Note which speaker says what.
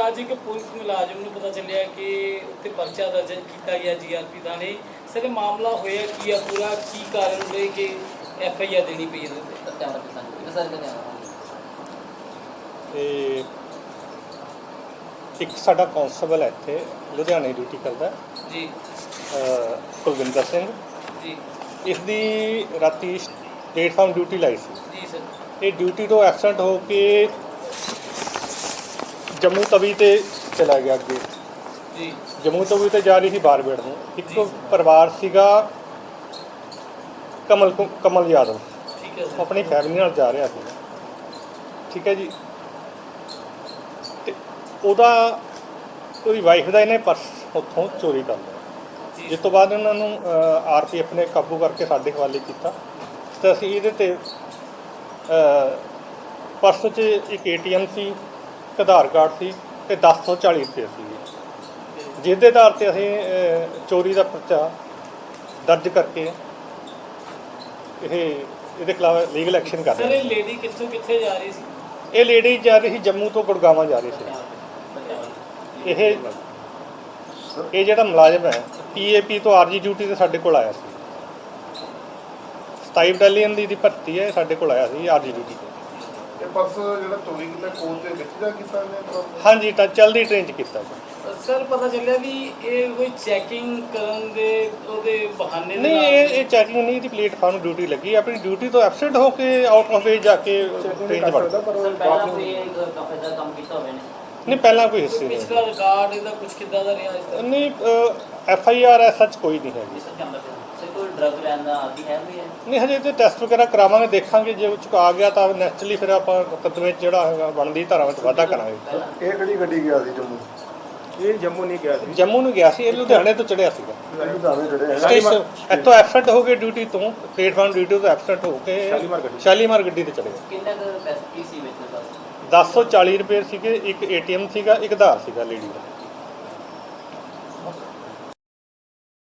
Speaker 1: ਅੱਜ ਇੱਕ ਪੁਲਿਸ ਮੁਲਾਜ਼ਮ ਨੂੰ ਪਤਾ ਚੱਲਿਆ ਕਿ ਉੱਤੇ ਪਰਚਾ ਦਰਜ ਕੀਤਾ ਗਿਆ ਜੀਆਰਪੀ ਥਾਣੇ। ਸਰ ਮਾਮਲਾ ਹੋਇਆ ਕੀ ਆ, ਪੂਰਾ ਕੀ ਕਾਰਨ ਰਹੇ ਕਿ FIR ਦੇਣੀ ਪਈ ਇਹਦੇ ਉੱਤੇ?
Speaker 2: ਤੇ ਇੱਕ ਸਾਡਾ ਕਾਂਸਟੇਬਲ ਹੈ ਇੱਥੇ ਲੁਧਿਆਣੇ ਡਿਊਟੀ ਕਰਦਾ
Speaker 1: ਜੀ,
Speaker 2: ਕੁਲਵਿੰਦਰ ਸਿੰਘ
Speaker 1: ਜੀ
Speaker 2: ਇਸ ਦੀ ਰਾਤੀ ਪਲੇਟਫਾਰਮ ਡਿਊਟੀ ਲਾਈ ਸੀ।
Speaker 1: ਜੀ ਸਰ।
Speaker 2: ਇਹ ਡਿਊਟੀ ਤੋਂ ਐਬਸੈਂਟ ਹੋ ਕੇ ਜੰਮੂ ਤਵੀ ਤੇ ਚਲਾ ਗਿਆ ਅੱਗੇ।
Speaker 1: ਜੀ
Speaker 2: ਜੰਮੂ ਤਵੀ ਤੇ ਜਾ ਰਹੀ ਸੀ ਬਾਰਬੇੜ ਨੂੰ। ਇੱਕ
Speaker 1: ਜੀ।
Speaker 2: ਪਰਿਵਾਰ ਸੀਗਾ ਕਮਲ ਯਾਦਵ,
Speaker 1: ਠੀਕ ਹੈ
Speaker 2: ਉਹ
Speaker 1: ਸਰ।
Speaker 2: ਆਪਣੀ ਫੈਮਿਲੀ ਨਾਲ ਜਾ ਰਿਹਾ ਸੀ। ਠੀਕ ਹੈ ਜੀ। ਤੇ ਉਹਦੀ ਵਾਈਫ ਦਾ ਇਹਨੇ ਪਰਸ ਉੱਥੋਂ ਚੋਰੀ ਕਰ ਲਿਆ, ਜਿਸ ਤੋਂ ਬਾਅਦ ਉਹਨਾਂ ਨੂੰ RPF ਨੇ ਕਾਬੂ ਕਰਕੇ ਸਾਡੇ ਹਵਾਲੇ ਕੀਤਾ। ਤੇ ਅਸੀਂ ਇਹਦੇ ਤੇ ਪਰਸ 'ਚ ਇੱਕ ATM ਸੀ, ਇੱਕ ਆਧਾਰ ਕਾਰਡ ਸੀ ਤੇ 1040 ਰੁਪਏ ਸੀ, ਜਿਸ ਦੇ ਆਧਾਰ 'ਤੇ ਅਸੀਂ ਚੋਰੀ ਦਾ ਪਰਚਾ ਦਰਜ ਕਰਕੇ ਇਹਦੇ ਖਿਲਾਫ ਲੀਗਲ ਐਕਸ਼ਨ ਕਰ
Speaker 1: ਸਰ
Speaker 2: ਰਹੇ
Speaker 1: ਇਹ ਲੇਡੀ ਕਿੱਥੋਂ ਕਿੱਥੇ ਜਾ ਰਹੀ ਸੀ?
Speaker 2: ਇਹ ਲੇਡੀ ਜਾ ਰਹੀ ਸੀ ਜੰਮੂ ਤੋਂ ਗੁੜਗਾਵਾਂ ਜਾ ਰਹੀ ਸੀ। ਇਹ ਜਿਹੜਾ ਮੁਲਾਜ਼ਮ ਹੈ PAP ਤੋਂ RG ਡਿਊਟੀ ਤੇ ਸਾਡੇ ਕੋਲ ਆਇਆ ਸੀ। 27 ਬਟਾਲੀਅਨ ਦੀ ਭਰਤੀ ਹੈ, ਸਾਡੇ ਕੋਲ ਆਇਆ ਸੀ RG ਡਿਊਟੀ ਤੇ।
Speaker 3: ਇਹ ਪਰਸ ਜਿਹੜਾ ਚੋਰੀ ਕੀਤਾ ਕੋਚ ਦੇ ਵਿੱਚ ਜਾ ਕੀਤਾ ਨੇ?
Speaker 2: ਹਾਂਜੀ, ਤਾਂ ਚਲਦੀ ਟ੍ਰੇਨ 'ਚ ਕੀਤਾ ਸੀ।
Speaker 1: ਸਰ ਪਤਾ ਚੱਲਿਆ ਵੀ ਇਹ ਕੋਈ ਚੈਕਿੰਗ ਕਰਨ ਦੇ ਉਹਦੇ ਬਹਾਨੇ
Speaker 2: ਨਹੀਂ, ਇਹ ਚੈਕਿੰਗ ਨਹੀਂ, ਇਹਦੀ ਪਲੇਟਫਾਰਮ ਡਿਊਟੀ ਲੱਗੀ। ਆਪਣੀ ਡਿਊਟੀ ਤੋਂ ਐਬਸੈਂਟ ਹੋ ਕੇ ਆਊਟ ਆਫ ਵੇਜ ਜਾ ਕੇ ਟ੍ਰੇਨ 'ਚ ਵੜ ਗਿਆ। ਨਹੀਂ, ਪਹਿਲਾਂ ਕੋਈ ਹਿੱਸੇ ਨਹੀਂ।
Speaker 1: ਪਿਛਲਾ ਰਿਕਾਰਡ ਇਹਦਾ ਕੁਝ ਕਿੱਦਾਂ ਦਾ ਰਿਹਾ ਇਸ ਤਰ੍ਹਾਂ?
Speaker 2: ਨਹੀਂ, FIR ਸੱਚ ਕੋਈ ਨਹੀਂ ਹੈਗੀ। ਨਹੀਂ, ਹਜੇ ਤੇ ਟੈਸਟ ਵਗੈਰਾ ਕਰਾਵਾਂਗੇ, ਦੇਖਾਂਗੇ। ਜੇ ਉਹ 'ਚ ਆ ਗਿਆ ਤਾਂ ਨੈਚੁਰਲੀ ਫਿਰ ਆਪਾਂ ਮੁਕੱਦਮੇ 'ਚ ਜਿਹੜਾ ਹੈਗਾ ਬਣਦੀ ਧਾਰਾ ਵਿੱਚ ਵਾਧਾ ਕਰਾਂਗੇ।
Speaker 3: ਇਹ ਕਿਹੜੀ ਗੱਡੀ ਗਿਆ ਸੀ ਜੰਮੂ?
Speaker 4: ਇਹ ਜੰਮੂ ਨਹੀਂ ਗਿਆ ਸੀ,
Speaker 2: ਜੰਮੂ ਨੂੰ ਗਿਆ ਸੀ, ਇਹ ਲੁਧਿਆਣੇ ਤੋਂ ਚੜਿਆ ਸੀਗਾ।
Speaker 3: ਲੁਧਿਆਣੇ ਜਿਹੜੇ
Speaker 2: ਸਟੇਸ਼ਨ ਇੱਥੋਂ ਐਬਸੈਂਟ ਹੋ ਕੇ ਡਿਊਟੀ ਤੋਂ, ਪਲੇਟਫਾਰਮ ਡਿਊਟੀ ਤੋਂ ਐਬਸੈਂਟ ਹੋ ਕੇ ਸ਼ਾਲੀਮਾਰ ਗੱਡੀ ਤੇ ਚੜ੍ਹ ਗਿਆ।
Speaker 1: ਕਿੰਨਾ ਕੁ ਪੈਸੇ ਕੀ ਸੀ ਵਿੱਚ?
Speaker 2: 1040 ਰੁਪਏ ਸੀਗੇ, ਇੱਕ ATM ਸੀਗਾ, ਇੱਕ ਆਧਾਰ ਸੀਗਾ ਲੇਡੀ ਦਾ।